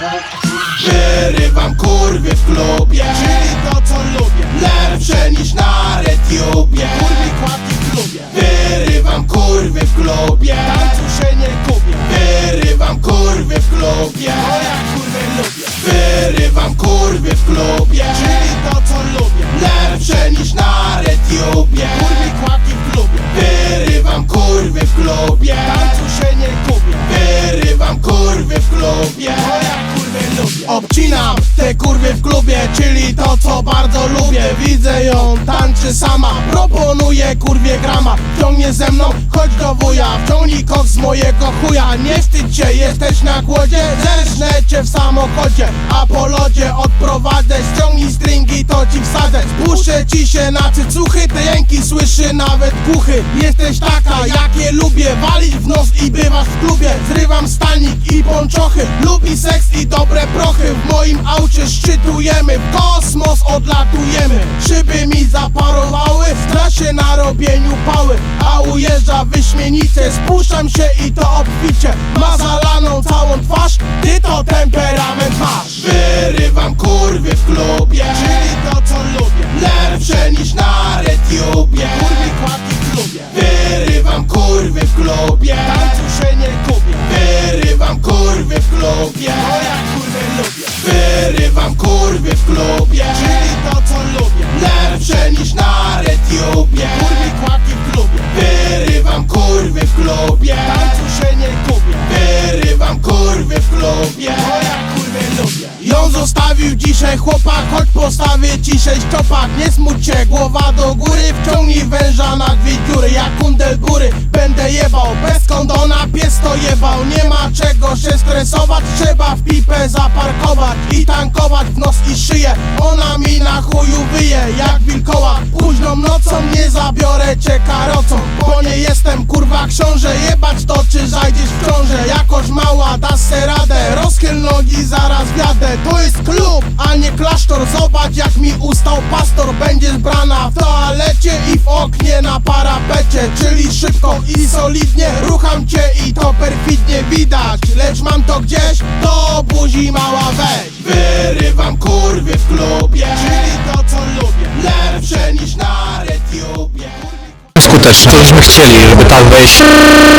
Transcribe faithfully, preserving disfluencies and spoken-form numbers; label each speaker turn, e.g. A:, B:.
A: Wyrywam kurwy w klubie,
B: Czyli to co lubię.
A: lepsze niż na RedTubie.
B: Kurwi kładki w klubie.
A: Wyrywam kurwy w klubie,
B: Tańcu się nie kupię.
A: wyrywam kurwy w klubie.
B: Bo ja kurwy lubię.
A: Wyrywam kurwy w klubie,
B: Czyli to co lubię.
A: lepsze niż na RedTubie.
B: Kurwi kładki w klubie.
A: Wyrywam kurwy w klubie,
B: Tańcu się nie kupię.
A: wyrywam kurwy w klubie.
B: Bo ja kurwy lubię.
A: Obcinam te kurwy w klubie, czyli to co bardzo lubię. Widzę ją, tańczy sama, proponuję kurwie grama. Wciągnie ze mną, chodź do wuja, wciągnij koks z mojego chuja. Nie wstydź się, jesteś na głodzie, zerżnę cię w samochodzie. A po lodzie odprowadzę, ściągnij stringi, to ci wsadzę. Spuszczę ci się na cycuchy, te jęki słyszy nawet głuchy. Jesteś taka, jakie lubię, walić w nos i bywasz w klubie. Zrywam stanik i ponczochy, lubi seks i dobre prochy. W moim aucie szczytujemy, w kosmos odlatujemy. Szyby mi zaparowały, w trasie na robieniu pały. A ujeżdża wyśmienicie, spuszczam się i to obficie. Ma zalaną całą twarz, ty to temperament masz. Wyrywam kurwy w klubie,
B: Czyli to co lubię.
A: lepsze niż na RedTubie.
B: Kurwi kładki w klubie.
A: Wyrywam kurwy w klubie,
B: Tańcu się nie kupię.
A: wyrywam kurwy w klubie.
B: Bo ja kurwy lubię.
A: Wyrywam kurwy w klubie,
B: Czyli to co lubię.
A: lepsze niż na RedTubie.
B: Kurwi kładki w klubie.
A: Wyrywam kurwy w klubie,
B: Tańcu się nie kupię.
A: wyrywam kurwy w klubie.
B: Bo ja kurwy lubię.
A: Ją zostawił dzisiaj chłopak, choć postawię ci sześć czopak. Nie smuć się, głowa do góry, wciągnij węża na dwie dziury. Jak kundel bury, będę jebał, bez kondona pies to jebał. Nie ma czego się stresować, trzeba w pipę zaparkować i tankować w nos i szyję. Ona mi na chuju wyje, jak wilkoła. Późną nocą nie zabiorę cię karocą, bo nie jestem kurwa książę. Jebać to czy zajdziesz w ciążę, jakoś mała dasz se radę. Rozchyl nogi, zaraz wjadę. To jest klub, a nie klasztor. Zobacz jak mi ustał pastor. Będziesz brana w toalecie i w oknie na parapecie. Czyli szybko i solidnie rucham cię i to perfidnie widać. Lecz mam to gdzieś, do buzi mała weź. Wyrywam kurwy w klubie,
B: Czyli to co lubię.
A: lepsze niż na RedTubie.
C: skuteczne. Co byśmy chcieli, żeby tak wejść